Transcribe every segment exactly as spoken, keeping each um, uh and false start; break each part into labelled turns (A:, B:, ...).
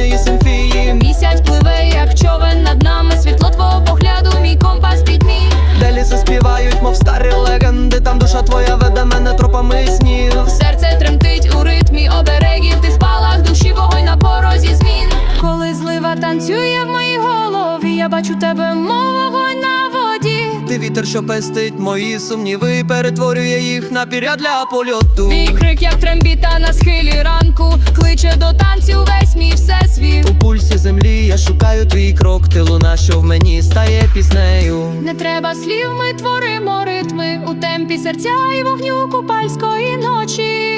A: музичної симфії.
B: Місяць пливе, як човен над нами, світло твого погляду, мій компас пітьмі.
A: Де ліси співають, мов старі легенди, там душа твоя веде мене тропами снів.
B: Серце тремтить у ритмі оберегів, ти спалах душі, вогонь на порозі змін. Коли злива танцює в моїй голові, я бачу тебе, мов вогонь на воді.
A: Ти вітер, що пестить мої сумніви, перетворює їх на пір'я для польоту.
B: Твій крик, як трембіта на схилі ранку, кличе до танцю весь мій всесвіт.
A: У пульсі землі я шукаю твій крок, ти луна, що в мені стає піснею.
B: Не треба слів, ми творимо ритми у темпі серця і вогню купальської ночі.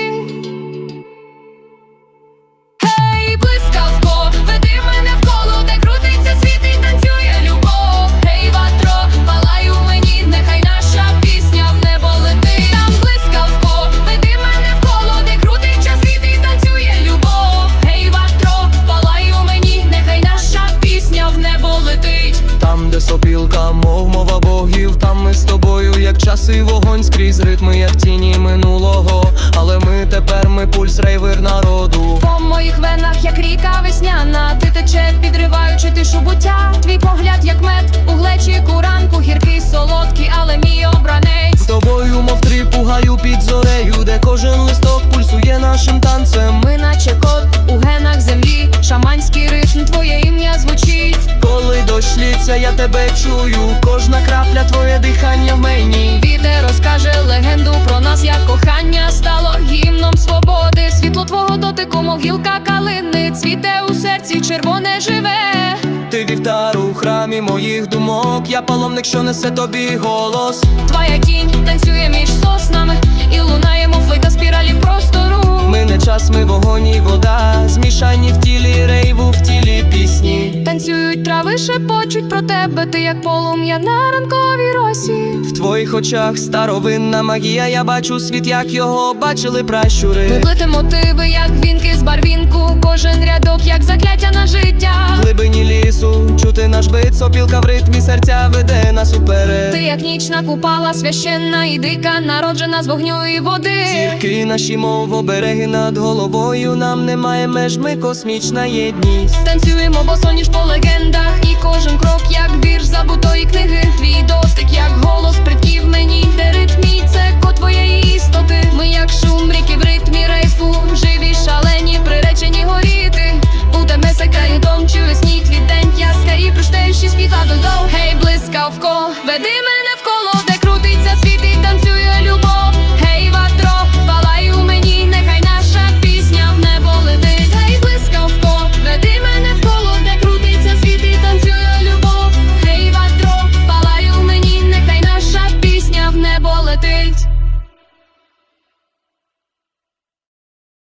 B: Гей, блискавко, веди мене в коло, де крутиться світ і танцює любов. Гей, ватро, палай у мені, нехай наша пісня в небо летить. Там блискавко, веди мене в коло, де крутиться світ і танцює любов. Гей, ватро, палай у мені, нехай наша пісня в небо летить.
A: Там, де сопілка, мов мова богів, там ми з тобою, як час і вогонь, скрізь ритми, як тіні минулого. Але ми тепер, ми пульс, рейвер народу.
B: По моїх венах, як ріка весняна, ти тече, підриваючи тишу буття. Твій погляд, як мед, у глечику ранку, гіркий, солодкий, але мій обранець.
A: З тобою, мов три, пугаю під зорею, де кожен листок пульсує нашим танцем.
B: Ми наче кот у генах землі, шаманський ритм, твоє ім'я звучить.
A: Коли дощ лється, я тебе чую, кожна крапля, твоє дихання в мені.
B: Вітер розкаже легенду про нас, як кохання стало гімном свободи. Світло твого дотику, мов гілка калини, цвіте у серці, червоне живе.
A: Ти вівтар у храмі моїх думок, я паломник, що несе тобі голос.
B: Твоя тінь танцює між соснами, і лунає, мов флейта спіралі простору.
A: Ми не час, ми вогонь і вода, змішані в тілі рейву, в тілі пісні.
B: Танцюють трави, шепочуть про тебе, ти як полум'я на ранковій росі.
A: В твоїх очах старовинна магія, я бачу світ, як його бачили пращури.
B: Ми плетемо мотиви, як вінки з барвінку, кожен рядок, як закляття на життя.
A: В глибині лісу чути наш бит, сопілка в ритмі серця веде нас уперед.
B: Ти як нічна купала, священна і дика, народжена з вогню і води.
A: Зірки наші, мов обереги над головою, нам немає меж, ми космічна єдність.
B: Танцюємо босоніж по легендах, і кожен крок, як вірш забутої книги. Твій дотик, як голос предків мені, де ритмі